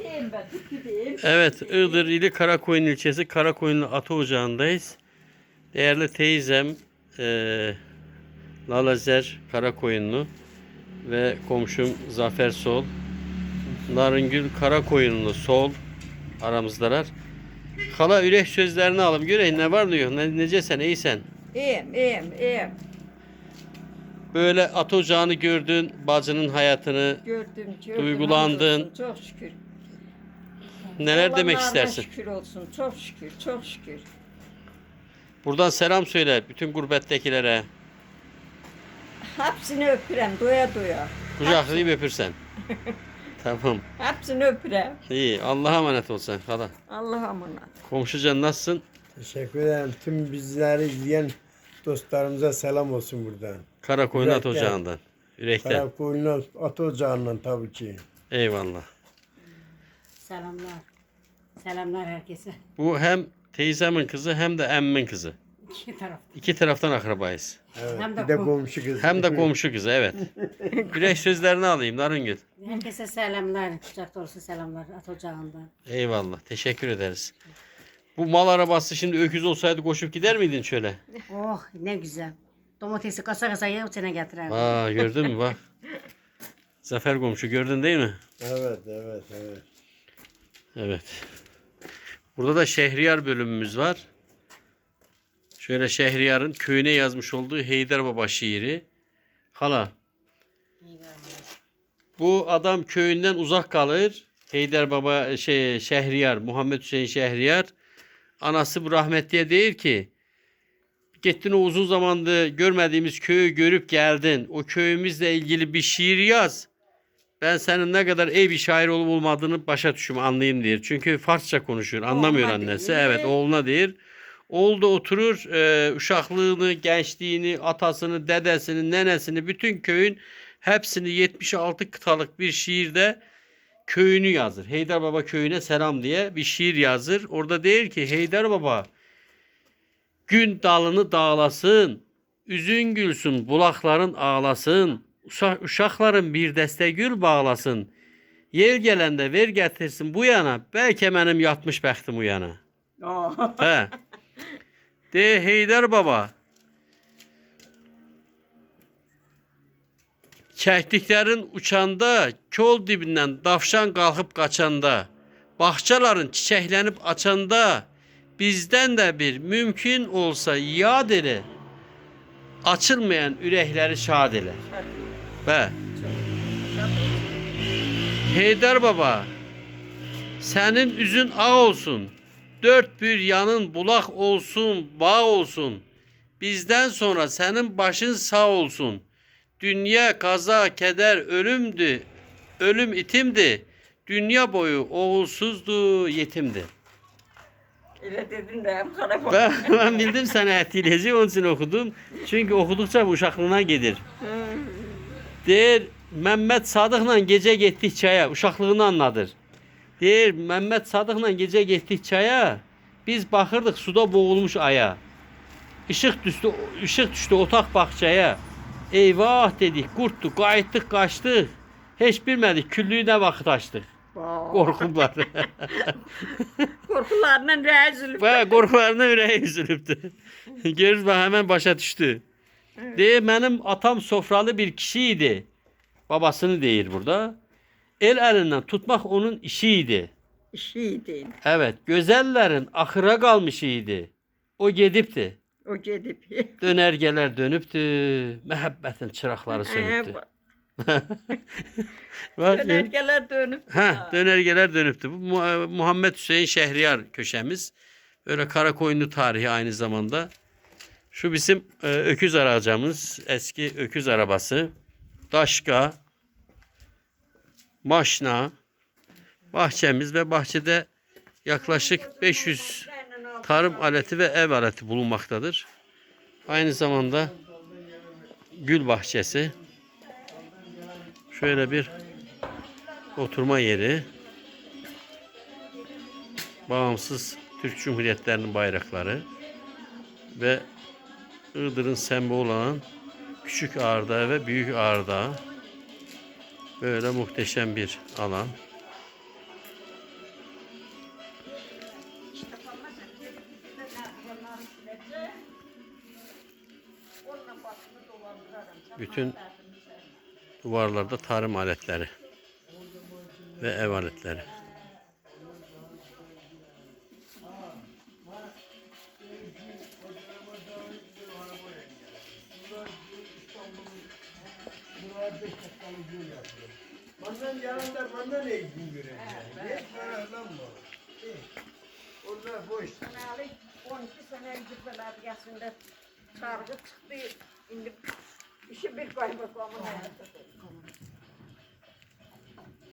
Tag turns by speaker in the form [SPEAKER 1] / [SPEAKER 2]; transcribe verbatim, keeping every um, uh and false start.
[SPEAKER 1] Gideyim ben, gideyim.
[SPEAKER 2] Evet, Iğdır ili Karakoyun ilçesi Karakoyunlu Ata Ocağı'ndayız. Değerli teyzem e, Lalazer Karakoyunlu ve komşum Zafer Sol, Narıngül Karakoyunlu Sol aramızdalar. Hala ürek sözlerini alalım. Göreyim ne var ne yok. Ne, necesen, iyisen.
[SPEAKER 1] İyiyim, iyiyim, iyiyim.
[SPEAKER 2] Böyle Ata Ocağı'nı gördün, bacının hayatını
[SPEAKER 1] Gördüm, gördüm.
[SPEAKER 2] Duygulandın.
[SPEAKER 1] Hamdolsun, çok şükür.
[SPEAKER 2] neler demek
[SPEAKER 1] Allah'ına
[SPEAKER 2] istersin?
[SPEAKER 1] şükür olsun, çok şükür, çok şükür.
[SPEAKER 2] Buradan selam söyle bütün gurbettekilere.
[SPEAKER 1] Hepsini öpürem, doya doya.
[SPEAKER 2] Kucaklayıp öpürsen. Tamam.
[SPEAKER 1] Hepsini öpürem.
[SPEAKER 2] İyi. Allah'a emanet ol sen hala.
[SPEAKER 1] Allah'a emanet.
[SPEAKER 2] Komşucan nasılsın?
[SPEAKER 3] Teşekkür ederim. Tüm bizleri izleyen dostlarımıza selam olsun buradan.
[SPEAKER 2] Karakoyun At
[SPEAKER 3] Yürekten.
[SPEAKER 2] Ocağı'ndan. Yürekten.
[SPEAKER 3] Karakoyunlu At Ocağı'ndan tabii ki.
[SPEAKER 2] Eyvallah.
[SPEAKER 4] Selamlar. Selamlar herkese.
[SPEAKER 2] Bu hem teyzemin kızı hem de emmin kızı.
[SPEAKER 4] İki taraf.
[SPEAKER 2] İki taraftan akrabayız.
[SPEAKER 3] Evet.
[SPEAKER 4] Hem de
[SPEAKER 3] bir de
[SPEAKER 4] kom-
[SPEAKER 3] komşu kız.
[SPEAKER 2] Hem de komşu kızı, evet. Yürek sözlerini alayım Narıngül.
[SPEAKER 4] Herkese selamlar. Kucak dolusu selamlar At Ocağı'ndan.
[SPEAKER 2] Eyvallah. Teşekkür ederiz. Bu mal arabası şimdi öküz olsaydı koşup gider miydin şöyle?
[SPEAKER 4] Oh ne güzel. Domatesi kasa kasa ye içine getirer.
[SPEAKER 2] Aa, gördün mü bak. Zafer komşu gördün değil mi?
[SPEAKER 3] Evet, evet, evet.
[SPEAKER 2] Evet. Burada da Şehriyar bölümümüz var. Şöyle Şehriyar'ın köyüne yazmış olduğu Heydar Baba şiiri. Hala. Bu adam köyünden uzak kalır. Heydar Baba şey Şehriyar, Muhammed Hüseyin Şehriyar. Anası bu rahmetliye değil ki. Gittin o uzun zamandır görmediğimiz köyü görüp geldin. O köyümüzle ilgili bir şiir yaz. Ben senin ne kadar iyi bir şair olup olmadığını başa düşüm anlayayım diyor. Çünkü Farsça konuşuyor. Anlamıyor
[SPEAKER 1] Oğluna
[SPEAKER 2] annesi.
[SPEAKER 1] değil.
[SPEAKER 2] Evet oğluna değil. Oğul da oturur e, uşaklığını, gençliğini, atasını, dedesini, nenesini, bütün köyün hepsini yetmiş altı kıtalık bir şiirde köyünü yazır. Heydar Baba köyüne selam diye bir şiir yazır. Orada der ki Heydar Baba gün dalını dağlasın, üzün gülsün, bulakların ağlasın, uşa- uşakların bir dəstə gül bağlasın. Yer gələndə ver gətirsin bu yana, bəlkə mənim yatmış bəxtim bu yana.
[SPEAKER 1] Oh.
[SPEAKER 2] Hə. De Heydar Baba. Çəkdiklərin uçanda, kol dibindən davşan qalxıb qaçanda, bağçaların çiçəklənib açanda, bizdən də bir mümkün olsa yad elə, açılmayan ürəkləri şad elə. Və Heydar Baba, sənin üzün ağ olsun, dört bir yanın bulaq olsun, bağ olsun. Bizdən sonra sənin başın sağ olsun. Dünya kaza, keder, ölümdü, ölüm itimdi. Dünya boyu oğulsuzdu, yetimdi.
[SPEAKER 1] Öyle dedin de hem kara
[SPEAKER 2] Ben, ben bildim səni ətləyəcək, onun için okudum. Çünkü okudukça bu uşaqlığına gedir. Deyir, Məhəmməd Sadıqla gecə getdik çaya, uşaqlığını anladır. Deyir, Məhəmməd Sadıqla gecə getdik çaya, biz baxırdıq suda boğulmuş aya. Işıq düşdü, ışıq düşdü otaq bağçaya. Eyvah dedik, qurtdu, qayıtdıq, qaçdıq. Heç bilmədik, küllüyü nə vaxt açdıq. Qorxublar.
[SPEAKER 1] Korkularla rezil.
[SPEAKER 2] Və qorxularına ürəyi üzülübdü. Görürüz, bax, həmən başa düşdü. Deyir, mənim atam sofralı bir kişi idi. Babasını deyir burada. El əlindən tutmaq onun işi idi.
[SPEAKER 1] İşiydi.
[SPEAKER 2] Evet, gözəllərin axıra qalmış idi. O gedibdi.
[SPEAKER 1] O gidip.
[SPEAKER 2] Dönərgələr dönübdü. Məhəbbətin çıraqları sönübdü. Bak,
[SPEAKER 1] Dönergeler dönüp.
[SPEAKER 2] ha, dönergeler dönüptü. Bu Mu- Muhammed Hüseyin Şehriyar köşemiz. Böyle Karakoyunlu tarihi aynı zamanda. Şu bizim e, öküz aracımız. Eski öküz arabası. Daşka. Maşna. Bahçemiz ve bahçede yaklaşık beş yüz tarım aleti ve ev aleti bulunmaktadır. Aynı zamanda gül bahçesi. Şöyle bir oturma yeri. Bağımsız Türk Cumhuriyetlerinin bayrakları ve Iğdır'ın sembolü olan Küçük Ağırdağ ve Büyük Ağırdağ. Böyle muhteşem bir alan. Bütün duvarlarda tarım aletleri ve ev aletleri.
[SPEAKER 3] Mandan yanında mandan eğitim göreceğim. Ne para lan bu? Orada boş.
[SPEAKER 1] Senelik on iki sene cübbeler yaşında sargı çıktı. Şimdi işi bir kaymakamın hayatı.